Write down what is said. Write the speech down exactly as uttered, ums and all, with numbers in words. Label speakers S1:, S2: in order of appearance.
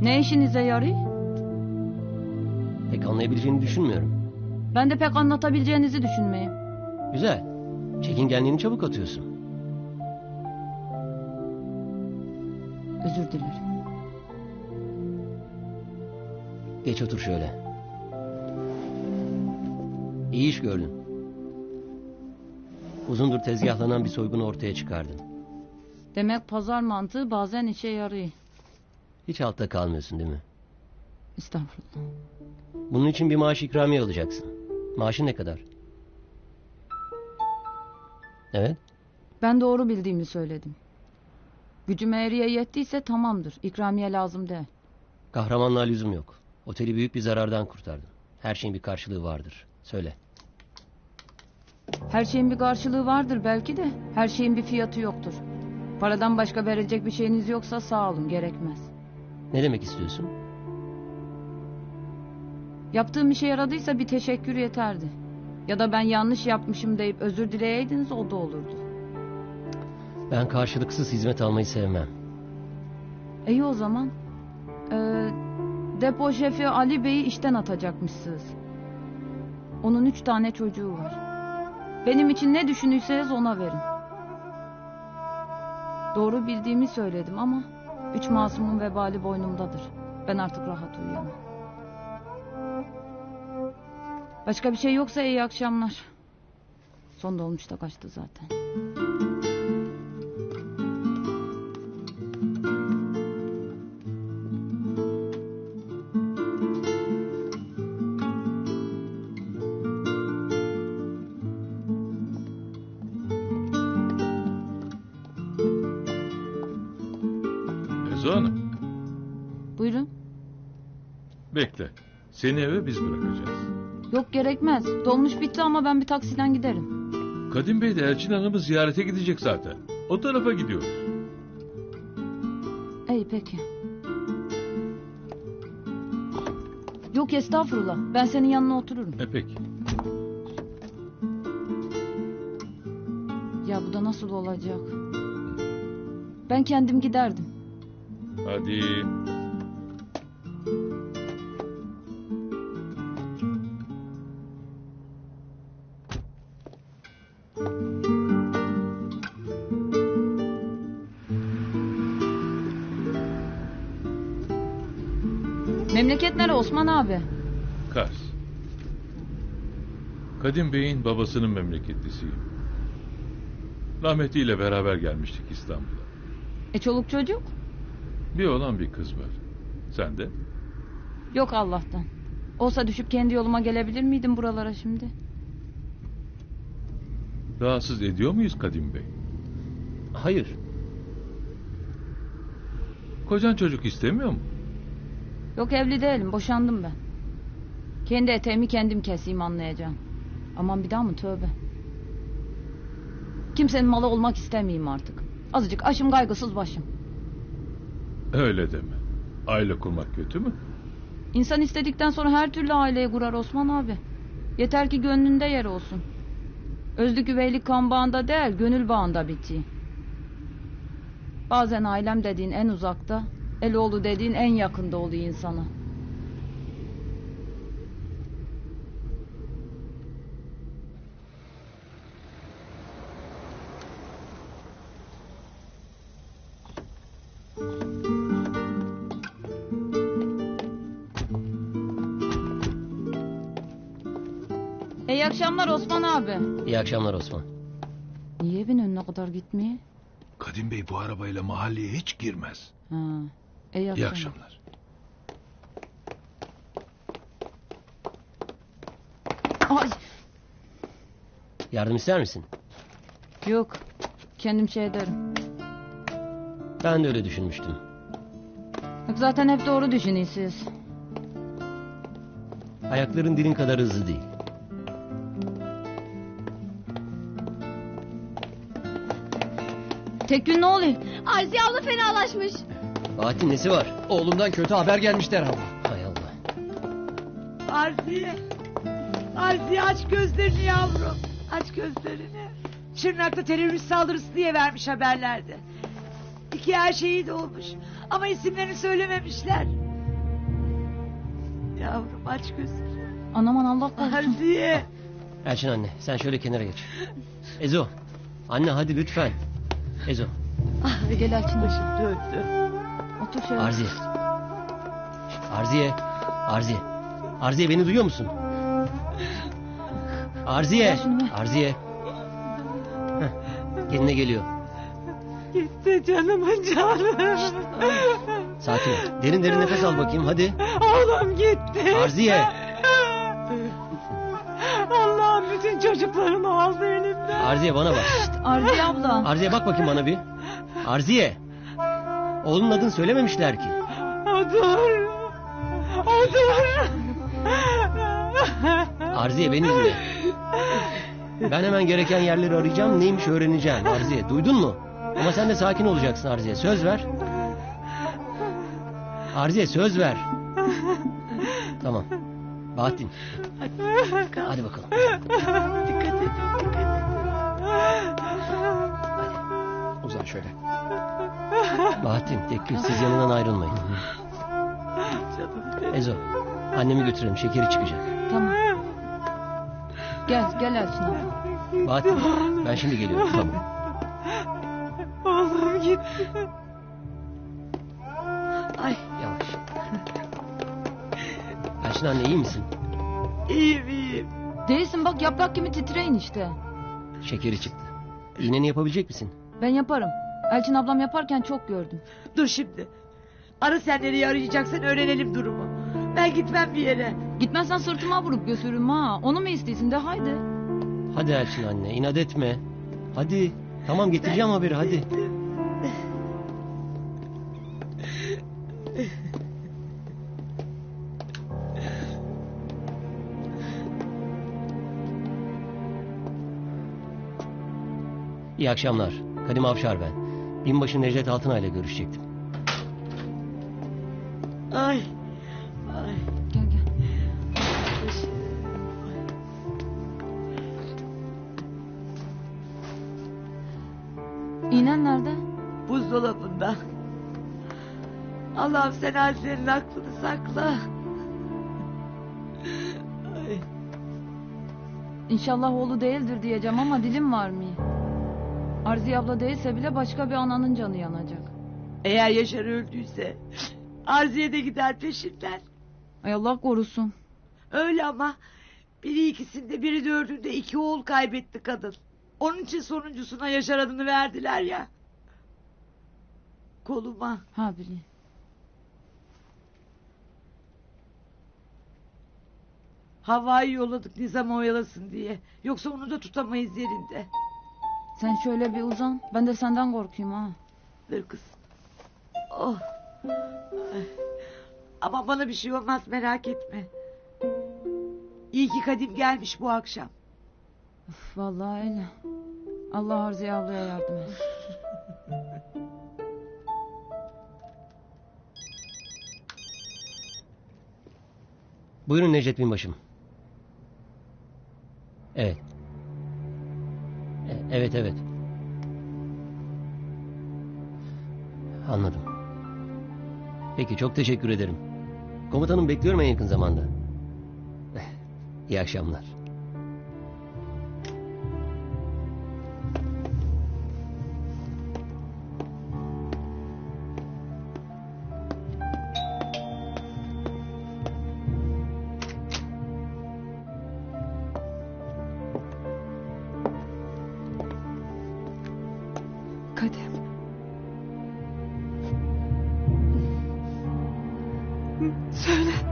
S1: Ne işinize yarıyor?
S2: Pek anlayabileceğini düşünmüyorum.
S1: Ben de pek anlatabileceğinizi düşünmeyeyim.
S2: Güzel. Çekingenliğini çabuk atıyorsun.
S1: Özür dilerim.
S2: Geç otur şöyle. İyi iş gördün. Uzundur tezgahlanan bir soygunu ortaya çıkardın.
S1: Demek pazar mantığı bazen işe yarıyor.
S2: Hiç altta kalmıyorsun değil mi?
S1: Estağfurullah.
S2: Bunun için bir maaş ikramiye alacaksın. Maaşın ne kadar? Evet.
S1: Ben doğru bildiğimi söyledim. Gücüm eğriye yettiyse tamamdır. İkramiye lazım değil.
S2: Kahramanlığa lüzum yok. Oteli büyük bir zarardan kurtardın. Her şeyin bir karşılığı vardır. Söyle.
S1: Her şeyin bir karşılığı vardır belki de her şeyin bir fiyatı yoktur. Paradan başka verecek bir şeyiniz yoksa sağ olun, gerekmez.
S2: Ne demek istiyorsun?
S1: Yaptığım işe yaradıysa bir teşekkür yeterdi. Ya da ben yanlış yapmışım deyip özür dileyeydiniz, o da olurdu.
S2: Ben karşılıksız hizmet almayı sevmem.
S1: İyi o zaman. Ee, depo şefi Ali Bey'i işten atacakmışsınız. Onun üç tane çocuğu var. Benim için ne düşünürseniz ona verin. Doğru bildiğimi söyledim ama üç masumun vebali boynumdadır. Ben artık rahat uyuyamam. Başka bir şey yoksa iyi akşamlar. Son dolmuşta kaçtı zaten.
S3: Ezo Hanım,
S1: Buyurun.
S3: bekle. Seni eve biz bırakacağız.
S1: Yok, gerekmez. Dolmuş bitti ama ben bir taksiden giderim.
S3: Kadim Bey de Elçin Hanım'ı ziyarete gidecek zaten. O tarafa gidiyoruz.
S1: İyi peki. Yok estağfurullah. Ben senin yanına otururum.
S3: E peki.
S1: Ya bu da nasıl olacak? Ben kendim giderdim.
S3: Hadi.
S1: Memleket nere Osman abi?
S3: Kars. Kadim Bey'in babasının memleketlisiyim. Rahmetliyle beraber gelmiştik İstanbul'a.
S1: E çoluk çocuk?
S3: Bir oğlan bir kız var. Sen de?
S1: Yok Allah'tan. Olsa düşüp kendi yoluma gelebilir miydim buralara şimdi?
S3: Rahatsız ediyor muyuz Kadim Bey?
S2: Hayır.
S3: Kocan çocuk istemiyor mu?
S1: Yok, evli değilim, boşandım ben. Kendi eteğimi kendim keseyim, anlayacağım. Aman bir daha mı, tövbe. Kimsenin malı olmak istemeyeyim artık. Azıcık aşım kaygısız başım.
S3: Öyle deme. Aile kurmak kötü mü?
S1: İnsan istedikten sonra her türlü aileyi kurar Osman abi. Yeter ki gönlünde yer olsun. Özlük üveylik kan bağında değil, gönül bağında bitiyor. Bazen ailem dediğin en uzakta, eloğlu dediğin en yakında oluyor insana. İyi akşamlar Osman abi.
S2: İyi akşamlar Osman.
S1: Niye evin önüne kadar gitmeye?
S3: Kadim Bey bu arabayla mahalleye hiç girmez.
S1: Ha, iyi akşamlar.
S3: İyi akşamlar.
S1: Ay,
S2: Yardım ister misin?
S1: yok, kendim şey ederim.
S2: Ben de öyle düşünmüştüm.
S1: Yok, zaten hep doğru düşünüyorsunuz.
S2: Ayakların dilin kadar hızlı değil.
S1: Tek gün ne oluyor?
S4: Arziye abla fenalaşmış.
S2: Fatih nesi var?
S5: Oğlumdan kötü haber gelmiş derhal.
S2: Hay Allah.
S6: Arziye. Arziye aç gözlerini yavrum. Aç gözlerini. Şırnak'ta terörist saldırısı diye vermiş haberlerde. İki her şehit olmuş. Ama isimlerini söylememişler. Yavrum aç gözünü.
S1: Anaman Allah korusun.
S6: Arziye.
S2: Elçin anne sen şöyle kenara geç. Ezo. Anne hadi lütfen. Ezo.
S6: Ay,
S1: Gel Elçin.
S6: başım döndü.
S1: Otur şöyle.
S2: Arziye. Arziye. Arziye. Arziye beni duyuyor musun? Arziye.
S1: Ver şunu ver.
S2: Arziye. Heh, kendine geliyor.
S6: Gitti canımın canı.
S2: Sakin ol. Derin derin nefes al bakayım hadi.
S6: Oğlum gitti.
S2: Arziye.
S6: Allah'ım bütün çocuklarımı aldı elimden.
S2: Arziye bana bak.
S1: Arziye abla.
S2: Arziye bak bakayım bana bir. Arziye. Oğlunun adını söylememişler ki.
S6: Odur. Odur.
S2: Arziye beni dinle. Ben hemen gereken yerleri arayacağım. Neymiş öğreneceğim. Arziye duydun mu? Ama sen de sakin olacaksın Arziye. Söz ver. Arziye söz ver. Tamam. Bahattin. Hadi bakalım.
S6: Dikkat et. Dikkat et.
S5: Uzan şöyle.
S2: Bahattin, Tekgül siz yanından ayrılmayın.
S6: Canım benim.
S2: Ezo, annemi götürelim. Şekeri çıkacak.
S1: Tamam. Gel gel Elçin abla.
S2: Bahattin, ben şimdi geliyorum. Tamam.
S6: Oğlum gitti. Ay
S2: Yavaş. Elçin anne iyi misin?
S6: iyiyim iyiyim.
S1: Değilsin bak yaprak gibi titreyin işte.
S2: Şekeri çıktı. İğneni yapabilecek misin?
S1: Ben yaparım. Elçin ablam yaparken çok gördüm.
S6: Dur şimdi. Ara sen nereye arayacaksan öğrenelim durumu. Ben gitmem bir yere.
S1: Gitmezsen sırtıma vurup götürürüm ha. Onu mu istiyorsun de haydi.
S2: Hadi Elçin anne, inat etme. Hadi. Tamam getireceğim haberi hadi. İyi akşamlar. Kadim Avşar ben. Binbaşı Necdet Altınay ile görüşecektim.
S6: Ay. Ay.
S1: Gel gel. İğnen nerede?
S6: Buzdolabında. Allah'ım sen Azize'nin aklını sakla. Ay.
S1: İnşallah oğlu değildir diyeceğim ama dilim var mı? Arziye abla değilse bile başka bir ananın canı yanacak.
S6: Eğer Yaşar öldüyse Arziye de gider peşinden.
S1: Ay Allah korusun.
S6: Öyle ama biri ikisinde biri dördünde iki oğul kaybetti kadın. Onun için sonuncusuna Yaşar adını verdiler ya. Koluma.
S1: Ha bileyim.
S6: Havayı yolladık Nizam'ı oyalasın diye. Yoksa onu da tutamayız yerinde.
S1: Sen şöyle bir uzan. Ben de senden korkayım ha.
S6: Dur kız. Oh. Ay. Ama bana bir şey olmaz merak etme. İyi ki Kadim gelmiş bu akşam.
S1: Üf, vallahi öyle. Allah Arziye ablaya yardım et.
S2: Buyurun Necdet Binbaşım. Evet. E- Evet evet. Anladım. Peki çok teşekkür ederim. Komutanım bekliyorum en yakın zamanda. İyi akşamlar.
S6: Kadim. Söyle.